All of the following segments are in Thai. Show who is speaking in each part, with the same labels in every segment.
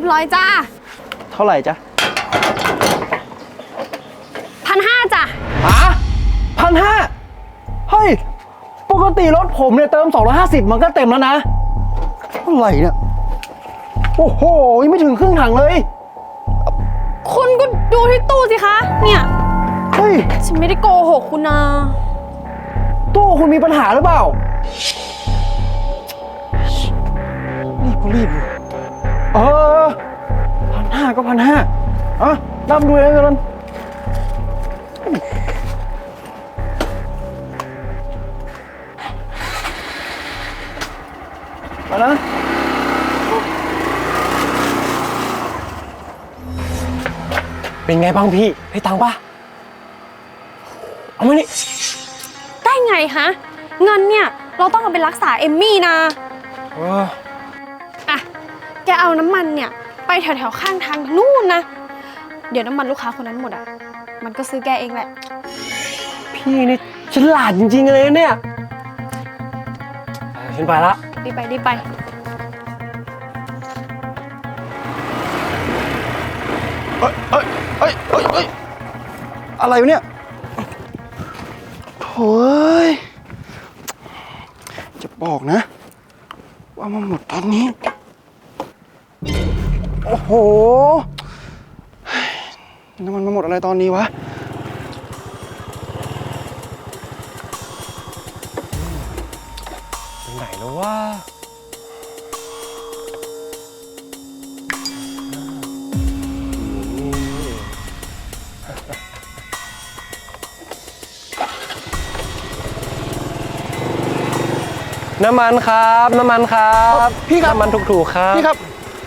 Speaker 1: 300จ้า
Speaker 2: เท่าไหร่จ๊ะ
Speaker 1: 1,500จ้ะ
Speaker 2: 1,500เฮ้ยปกติรถผมเนี่ยเติม250มันก็เต็มแล้วนะเท่าไหร่เนี่ยโอ้โหยังไม่ถึงครึ่งถังเลย
Speaker 1: คุณก็ดูที่ตู้สิคะเนี่ย
Speaker 2: เฮ้ย
Speaker 1: ฉันไม่ได้โกหกคุณนะ
Speaker 2: ตู้คุณมีปัญหาหรือเปล่ารีบ1,500ก็1,500อ่ะนับดูเองกันมานะ
Speaker 3: เป็นไงบ้างพี่ให้ตังค์ป่ะเอามานี่
Speaker 1: ได้ไงฮะเงินเนี่ยเราต้องเอาไปรักษาเอมมี่นะอ่ะแกเอาน้ำมันเนี่ยไปแถวๆข้างทางนู่นนะเดี๋ยวน้ำมันลูกค้าคนนั้นหมดอ่ะมันก็ซื้อแกเองแหละ
Speaker 3: พี่นี่ฉลาดจริงๆเลยเนี่ยฉันไปละ
Speaker 1: รีบไป
Speaker 2: อะไรวะเนี่ยโถ่จะบอกนะว่ามันหมดตอนนี้โอ้โหน้ำมันมาหมดอะไรตอนนี้วะ
Speaker 3: เป็นไหนแล้ววะน้ำมันครับ
Speaker 2: พี่ครับ
Speaker 3: น้ำมันถูกๆครับ
Speaker 2: พี่ครับ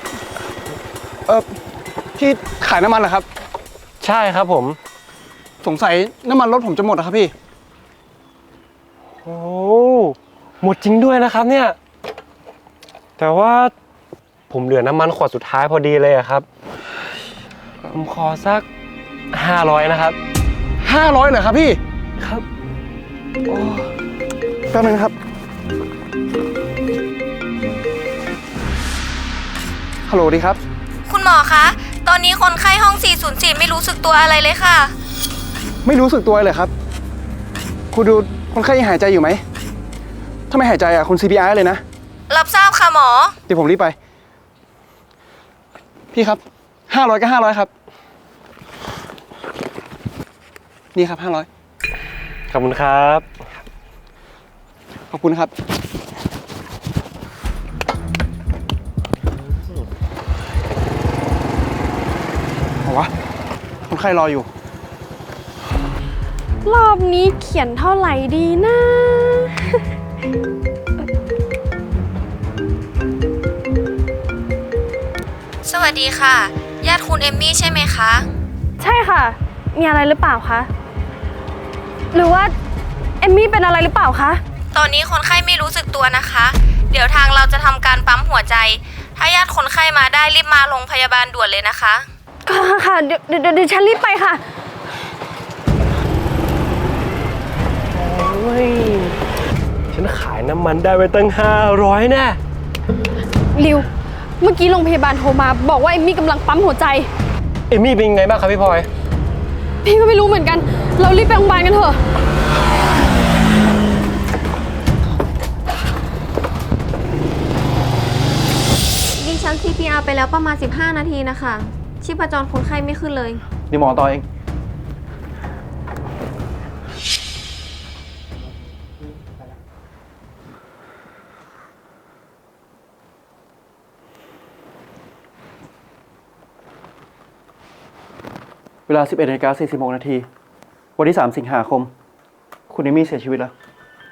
Speaker 2: พี่ขายน้ำมันเหรอครับ
Speaker 3: ใช่ครับผม
Speaker 2: สงสัยน้ำมันรถผมจะหมดนะครับพี่
Speaker 3: โอ้หมดจริงด้วยนะครับเนี่ยแต่ว่าผมเหลือน้ำมันขวดสุดท้ายพอดีเลยครับผมขอสัก500นะครับ
Speaker 2: 500เหรอครับพี่
Speaker 3: ครับ
Speaker 2: แป๊บนึงครับฮัลโหลดีครับ
Speaker 4: คุณหมอคะตอนนี้คนไข้ห้อง404ไม่รู้สึกตัวอะไรเลยค่ะ
Speaker 2: ไม่รู้สึกตัวเลยครับคุณดูคนไข้ยังหายใจอยู่ไหมถ้าไม่หายใจคุณ CPR เลยนะ
Speaker 4: รับทราบค่ะหมอ
Speaker 2: เดี๋ยวผมรีบไปพี่ครับ500ก็500ครับนี่ครับ500
Speaker 3: ขอบคุณครับ
Speaker 2: ขอบคุณครับเอาวะคนไข้รออยู่
Speaker 1: รอบนี้เขียนเท่าไหร่ดีนะ
Speaker 4: สวัสดีค่ะญาติคุณเอมมี่ใช่ไหมคะ
Speaker 1: ใช่ค่ะมีอะไรหรือเปล่าคะหรือว่าเอมมี่เป็นอะไรหรือเปล่าคะ
Speaker 4: ตอนนี้คนไข้ไม่รู้สึกตัวนะคะเดี๋ยวทางเราจะทำการปั๊มหัวใจถ้าญาติคนไข้มาได้รีบมาโรงพยาบาลด่วนเลยนะคะ
Speaker 1: ค่ะเดี๋ยวฉันรีบไปค่ะ
Speaker 3: โอ้ยฉันขายน้ำมันได้ไปตั้ง500แน่
Speaker 1: ริวเมื่อกี้โรงพยาบาลโทรมาบอกว่าเอมมี่กำลังปั๊มหัวใจ
Speaker 3: เอมมี่เป็นไงบ้างครับพี่พลอย
Speaker 1: พี่ก็ไม่รู้เหมือนกันเรารีบไปโรงพยาบาลกันเถอะ
Speaker 4: ดิฉัน CPR ไปแล้วประมาณ15 นาทีนะคะชีพจรคนไข้ไม่ขึ้นเลย
Speaker 2: เดี๋ยวหมอต่อเองเวลา 11:46 นาทีวันที่3 สิงหาคมคุณเอมี่เสียชีวิตแล้ว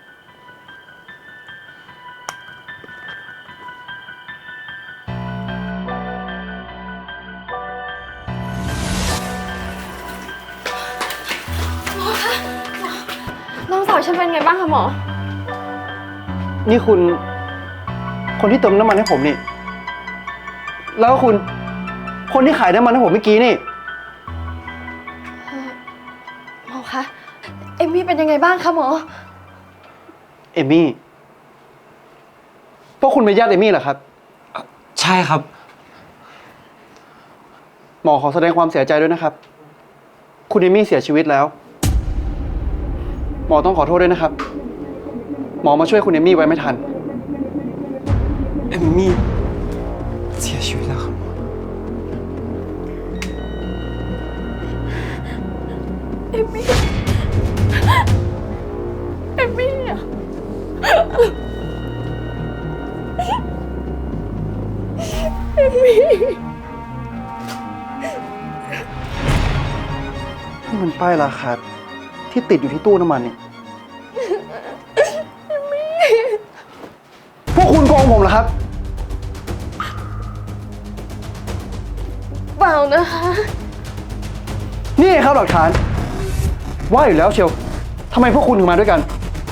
Speaker 1: น้องสาวฉันเป็นไงบ้างคะหมอ
Speaker 2: นี่คุณคนที่เติมน้ำมันให้ผมนี่แล้วคุณคนที่ขายน้ำมันให้ผมเมื่อกี้นี่
Speaker 1: หมอคะเอมมี่เป็นยังไงบ้างคะหมอ
Speaker 2: เอมมี่พวกคุณเป็นญาติเอมมี่เหรอครับ
Speaker 3: ใช่ครับ
Speaker 2: หมอขอแสดงความเสียใจด้วยนะครับ คุณเอมี่เสียชีวิตแล้ว หมอต้องขอโทษด้วยนะครับ หมอมาช่วยคุณเอมี่ไว้ไม่ทัน
Speaker 3: เอมมี่เสียชีวิตแล้วครับ
Speaker 1: เอมมี่อะเอมมี่
Speaker 2: นี่มันป้ายราคาที่ติดอยู่ที่ตู้น้ำมันนี่ พวกคุณโกงผมเหรอครับ
Speaker 1: เปล่านะคะ
Speaker 2: นี่ครับหลักฐาน ว่าอยู่แล้วเชียวทำไมพวกคุณถึงมาด้วยกัน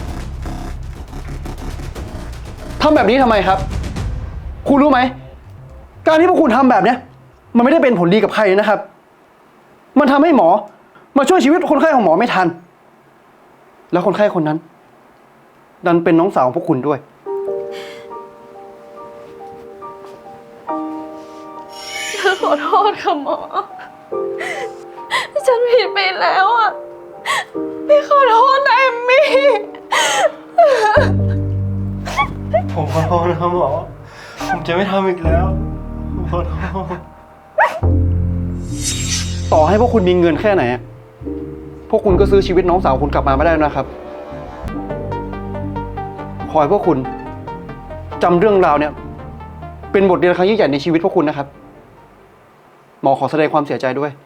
Speaker 2: ทำแบบนี้ทำไมครับ คุณรู้ไหม การที่พวกคุณทำแบบเนี้ยมันไม่ได้เป็นผลดีกับใครนะครับ มันทำให้หมอมาช่วยชีวิตคนไข้ของหมอไม่ทัน แล้วคนไข้คนนั้น ดันเป็นน้องสาวของพวกคุณด้วย
Speaker 1: ฉันขอโทษค่ะหมอ ฉันผิดไปแล้วอ่ะ พี่ขอโทษนะเอมมี่
Speaker 3: ผมขอโทษนะครับหมอ ผมจะไม่ทำอีกแล้วผมขอโทษ
Speaker 2: ต่อให้พวกคุณมีเงินแค่ไหนอะพวกคุณก็ซื้อชีวิตน้องสาวคุณกลับมาไม่ได้นะครับ ขอให้พวกคุณจำเรื่องราวเนี่ย เป็นบทเรียนครั้งยิ่งใหญ่ในชีวิตพวกคุณนะครับ หมอขอแสดงความเสียใจด้วย